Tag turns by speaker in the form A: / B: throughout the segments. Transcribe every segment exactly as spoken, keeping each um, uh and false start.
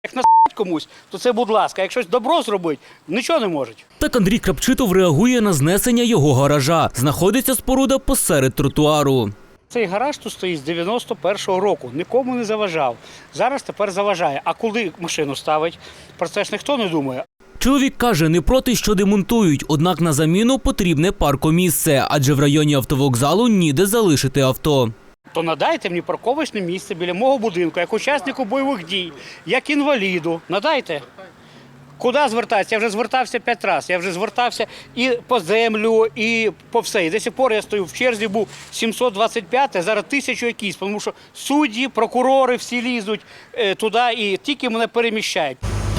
A: Як на комусь, то це будь ласка. Як щось добро зробить, нічого не можуть.
B: Так Андрій Крапчитов реагує на знесення його гаража. Знаходиться споруда посеред тротуару.
A: Цей гараж тут стоїть з дев'яносто першого року, нікому не заважав. Зараз тепер заважає. А коли машину ставить, про це ж ніхто не думає.
B: Чоловік каже, не проти, що демонтують, однак на заміну потрібне паркомісце, адже в районі автовокзалу ніде залишити авто.
A: То надайте мені парковочне місце біля мого будинку, як учаснику бойових дій, як інваліду. Надайте. Куди звертатися? Я вже звертався п'ять разів. Я вже звертався і по землю, і по все. І до сих пор я стою в черзі, був сімсот двадцять п'ять, а зараз тисячу якісь, тому що судді, прокурори всі лізуть е, туди і тільки мене переміщають.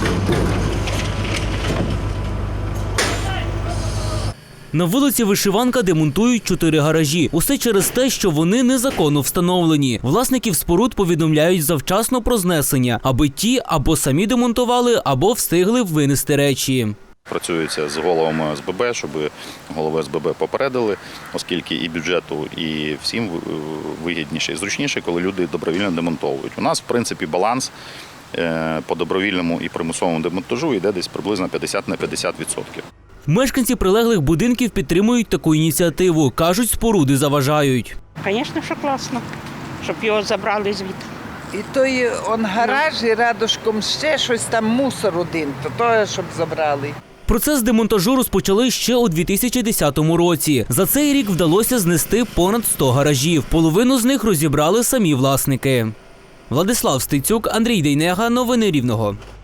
B: На вулиці Вишиванка демонтують чотири гаражі. Усе через те, що вони незаконно встановлені. Власників споруд повідомляють завчасно про знесення, аби ті або самі демонтували, або встигли винести речі.
C: Працюється з головами С Б Б, щоб голови С Б Б попередили, оскільки і бюджету, і всім вигідніше і зручніше, коли люди добровільно демонтовують. У нас, в принципі, баланс по добровільному і примусовому демонтажу йде десь приблизно п'ятдесят на п'ятдесят відсотків.
B: Мешканці прилеглих будинків підтримують таку ініціативу. Кажуть, споруди заважають.
D: Звісно, що класно, щоб його забрали звідти.
E: І той он гараж, і рядышком ще щось там мусор один, то того, щоб забрали.
B: Процес демонтажу розпочали ще у дві тисячі десятому році. За цей рік вдалося знести понад сто гаражів. Половину з них розібрали самі власники. Владислав Стецюк, Андрій Дейнега. Новини Рівного.